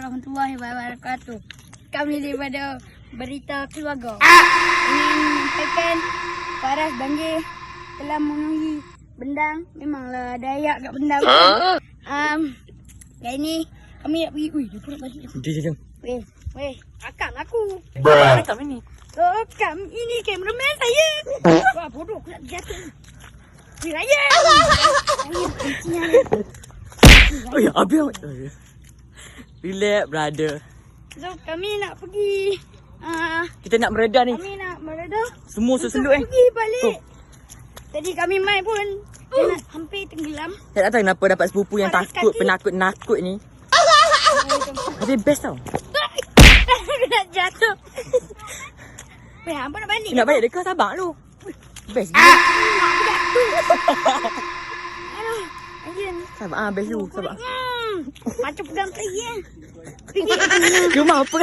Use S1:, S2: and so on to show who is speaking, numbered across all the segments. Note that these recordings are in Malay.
S1: warahmatullahi wabarakatuh. Kami daripada Berita Keluarga ingin menyampaikan Faras Banjir telah memenuhi Bendang. Memanglah ada ayak kat Bendang. Kali ni kami nak pergi. Ui, dia pun nak balik.
S2: Jom.
S1: Weh, rakam aku.
S2: Rakam ini.
S1: Rakam ini kameraman saya. Wah, bodoh aku nak jatuh. Weh, raya.
S2: Oh ya, habis. Relax, brother.
S1: So, kami nak pergi.
S2: Kita nak mereda ni.
S1: Kami nak mereda.
S2: Semua seseluk
S1: Pergi balik. Tadi kami main pun dia nak hampir tenggelam.
S2: Saya tak tahu kenapa dapat sepupu yang takut, penakut-nakut ni. Tapi best tau.
S1: Aku nak jatuh. Weh, hampa nak balik.
S2: Nak balik dekat Sabah tu. Best.
S1: Aku jatuh. Aduh, anjir.
S2: Sabah, best tu. Sabah.
S1: Macam pegang tadi kan.
S2: Cuma apa?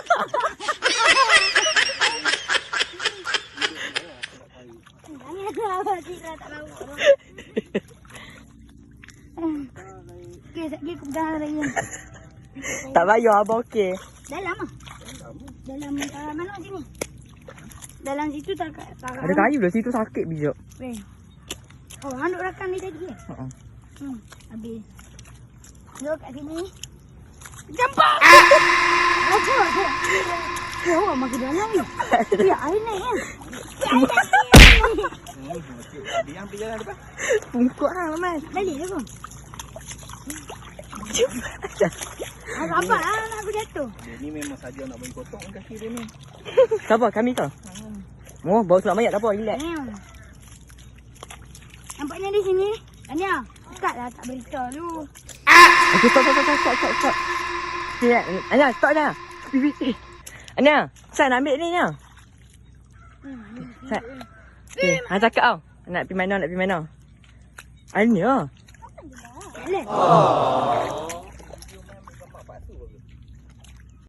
S1: Okay, sekejap aku pegang lagi.
S2: Tak payah, abang okey.
S1: Dalam lah. Dalam mana sini? Dalam situ tak.
S2: Ada kayu dah situ sakit bijak.
S1: Weh. Oh, hang duk rakam ni tadi ke? Habis. Duduk kat sini. Jampak! Apa? Ya, orang makin dalam ni. Ya, air naik kan?
S3: Dia ambil jalan depan.
S2: Pungkuk lah, Mamat.
S1: Balik lah kau. Apa lah nak aku jatuh?
S3: Dia ni memang saja nak bagi potong kaki dia ni.
S2: Sabar, kami tau. Oh, bawa surat mayat tak apa, relax.
S1: Nampaknya di sini. Anya, start lah tak berita dulu.
S2: Okay, stop. Okay, Anya, stop dah. Anya, saya nak ambil ni, Anya. Saya. Okay, Han cakap tau. Nak pergi mana. Anya.
S1: Jalan.